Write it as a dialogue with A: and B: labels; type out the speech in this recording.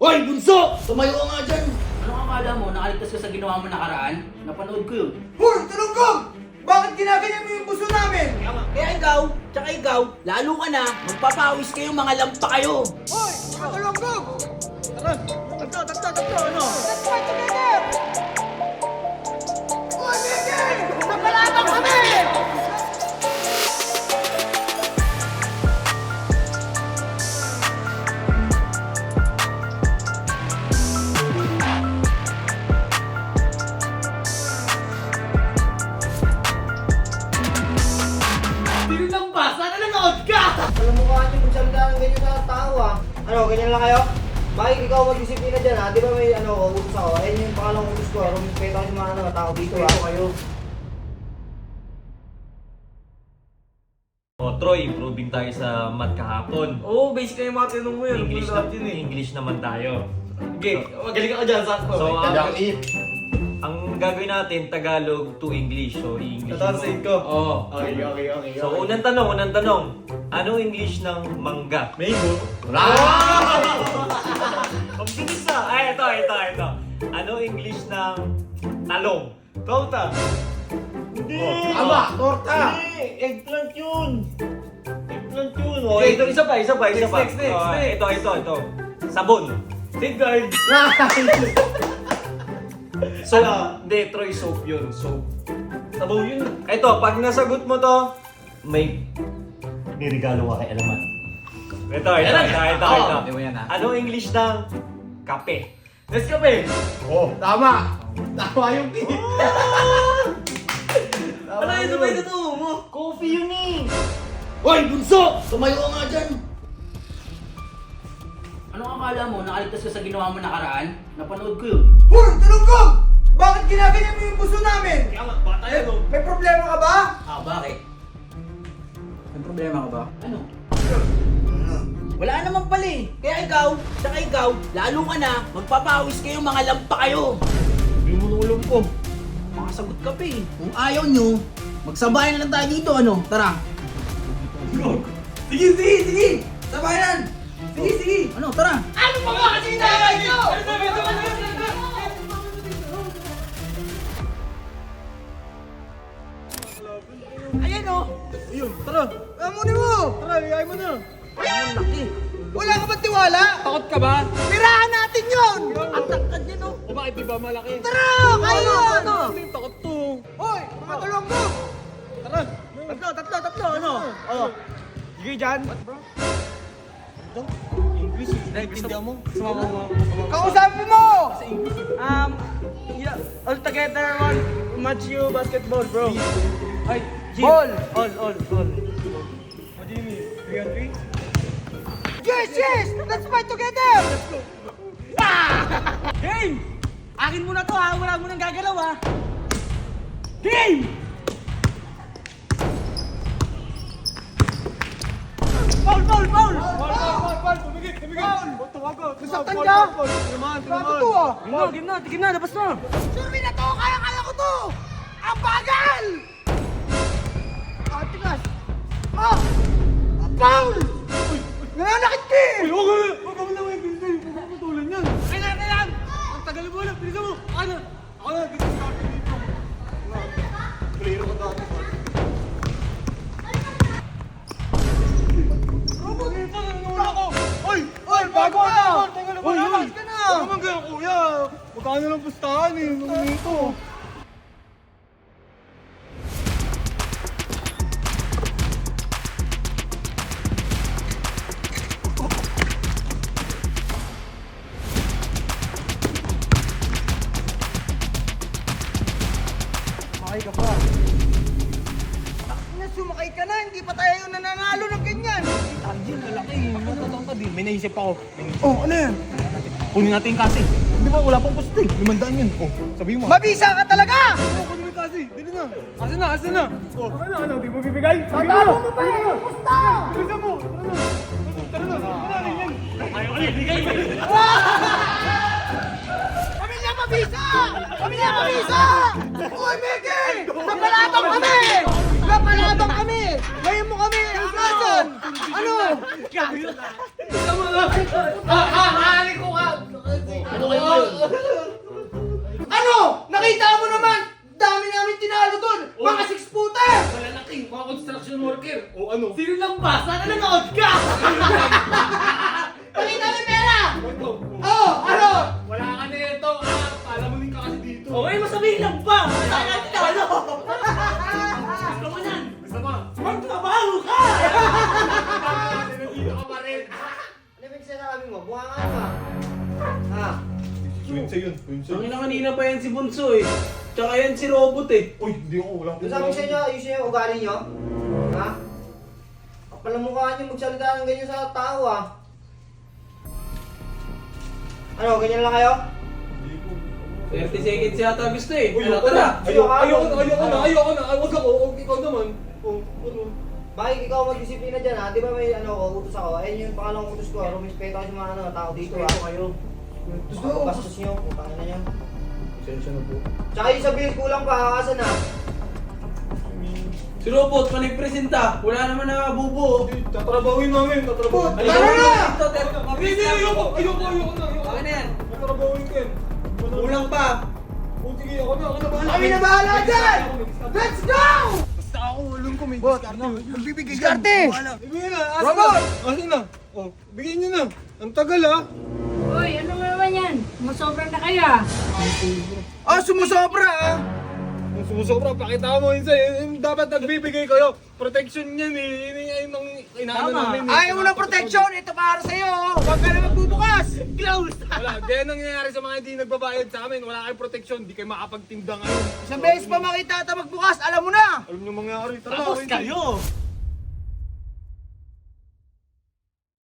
A: Hoy, bunso! Tumayo ka nga dyan!
B: Ano akala mo? Nakaligtas ka sa ginawa mo nakaraan? Napanood ko yun.
C: Hoy, Talunggong! Bakit ginaganyan mo yung buso namin?
B: Kaya ikaw, lalo ka na, magpapawis kayo, mga lampa kayo.
C: Hoy, mga Talunggong! Tara, tatlo, ano? Let's fight together! Hoy, Miki! Napalaban kami!
A: Sino lang ba? Sana nanood ka!
C: Alam mo ka ate, kung salita ng ganyan sa tao ah. Ano, ganyan lang kayo? Mike, ikaw mag-disiplina dyan ha. Di ba may utos ako? Ayun yung pangalang utos ko. Rumpeta ko yung mga tao dito ha. Kayo.
D: O Troy, improving tayo sa math kahapon.
A: Oo, basic na yung mga tinong mo yun.
D: English,
A: Lahat yun eh.
D: English naman tayo.
A: Okay, magaling ako dyan, sakto.
D: So,
A: Tagang-it.
D: Ang gagawin natin, Tagalog to English. So, i-English
A: Tatranslate
D: mo.
A: ko. Oo. Okay.
D: So, unang tanong. Ano English ng mangga?
A: Mango.
D: Ang bilis na! Ay, ito. Ano English ng talong?
A: Torta.
D: Hindi!
A: Tama, torta.
D: Hindi! Eggplant yun!
A: Okay, ito, isa pa.
D: Next. Ito. Sabon.
A: Safeguard.
D: Soap. Hindi, Troy, soap yun. Soap.
A: Sabaw yun.
D: Ito, pag nasagot mo to, may nirigalo ka kay Alamat. Ito.
A: Hindi mo yan, ha?
D: Ano English ng kape?
A: Nescafe. Oh, tama. Tama yung P. Ano yun? Sabay totoo mo?
D: Coffee yun eh!
A: Hoy, bunso! Tumayo ka nga dyan.
B: Ano akala mo? Nakaligtas ka sa ginawa mo nakaraan? Napanood ko yun.
C: Hoy, Talunggong! Bakit ginaganyan mo yung buso namin?
A: Kaya nga, bata yan, oh.
C: May problema ka ba?
B: Bakit?
C: May problema ka ba?
B: Ano? Wala naman pala eh. Kaya ikaw, lalo ka na, magpapawis kayo, mga lampa kayo.
A: Hindi mo nulong ko.
B: Makasagot ka pa eh. Kung ayaw nyo, magsabayan na lang tayo dito, ano? Tara.
C: Sige! Sabayan! Sige!
B: Ano, tara.
C: Ano pa ba kasi hinahangad nyo?
B: Ayan o.
A: Ayun, tara.
C: Amunin mo!
A: Tara, iyay mo na.
B: Ang laki.
C: Wala ka ba tiwala?
A: Takot ka ba?
C: Tirahan natin yun!
B: Ang tangkad niya no.
A: O bakit di ba malaki?
C: Tara! Kaya!
B: Ano?
A: Takot to.
C: Hoy! Mga Talunggong!
A: Tara.
C: Tatlo, ano?
A: Oh. Sige dyan. What bro? English. Naiintindihan mo? Sumama mo.
C: Kausapin mo!
A: Yeah, all together one match you basketball, bro. Ay,
C: Ball.
A: All. What do you mean? 3 on 3?
C: Yes! Let's fight together!
B: Game! Akin mo na to ha. Wala mo nang gagalaw ha. Game! Foul!
A: Tumigil! Tumago!
C: Nasaktan ka?
A: Tinamaan!
C: Grabe to ah!
B: Game na, labas na.
C: Survey na to! Kaya ko to! Ang bagal! Atikas! Ah! Foul! Nananakit ka eh!
A: Huwag ka mo lang yung pinto! Huwag ka matulan yan!
C: Kailan!
A: Ang tagal mo lang! Bilisan mo! Ako na! Dito sa akin dito! Player ko dati. Oy! Bago ka! Oy!
C: Alas ka na!
A: Huwag naman kaya kuya! Magkano lang pustahan eh! Ano nito?
C: Sumakay ka pa. Sumakay ka na, hindi pa tayo nananalo ng ganyan.
A: Tanjil, malaki. Matatang ka din. May naisip ako.
C: Oh, ano yan?
A: Kunin natin yung kasi. Hindi ba wala pang pusto eh. 500 yun. Oh, sabihin mo.
C: Mabisa ka talaga!
A: Kunin mo yung kasi. Dili na. Asan na? Oh, ano? Di mo bibigay? Sabi
C: Talo mo pa eh! Pusta!
A: Bilisan mo. Tara na. Tara na yan. Ayaw ka bigay mo.
C: Pamilya Mabisa! Pamilya Mabisa! Uy, Miki! Napalabang kami! Napalabang kami! Ngayon mo kami akasan! Ano?
A: Tama na.
C: Ahali ko ka!
A: Winsa yun. Winsa
B: Ang
A: yun.
B: ina kanina pa yan si Bunso eh. Tsaka yan si Robot eh.
A: Uy, hindi ako. Wala
C: Yung sabi ko sa inyo, ayusin yung ugali nyo. Ha? Kapal ang mukha nyo magsalita ng ganyan sa tao ah. Ano, ganyan lang kayo?
B: 30 seconds yata gusto eh.
A: Uy,
B: Ano,
A: ayoko na.
B: tara.
A: Ayoko na. Huwag ako. Ikaw naman. Oh, ano?
C: Bakit ikaw magdisiplina dyan ha? Di ba may utos ako? Ayun yung pangalawang utos ko. Rumispeto kayo sa mga tao dito ha.
B: kayo.
C: Bastos nyo, putang ina nyo.
B: Sensya na po.
C: Tsaka yung sa bills kulang pa, kakasan ha.
B: Si Robot, panipresenta. Wala naman nakabubo.
A: Tatrabawin namin. Tatrabawin.
B: Halika
C: Tara na!
B: Ito,
A: Hindi, ayoko na.
B: Okay na yan.
A: Tatrabawin ko yan.
B: Kulang pa.
A: Oh, sige, ako na bahala.
C: Kami na bahala dyan! Let's go!
A: Basta ako, alam ko may diskarte. Magbibigay ka.
C: Diskarte!
A: Ibigay na. Asan
C: Robot!
A: na? Asan na? Oh, bigyan nyo na. Ang tagal ah.
E: Uy, ano nga naman yan? Masobra na kaya.
C: Sumusobra ah!
A: Kung sumusobra, pakita mo yun sa'yo. Dapat nagbibigay kayo. Protection yan eh. Yun ang inaano namin. eh.
C: Ayaw mo ng protection! Ito para sa'yo! Huwag ka na magbubukas! Close!
A: Wala, ganyan ang nangyayari sa mga hindi nagbabayad sa amin. Wala kayong protection, hindi kayo makapagtinda ngayon.
C: Isang beses pa makita ata magbukas, alam mo na!
A: Alam nyo mangyayari. Tara,
B: Tapos
A: Wendy.
B: kayo.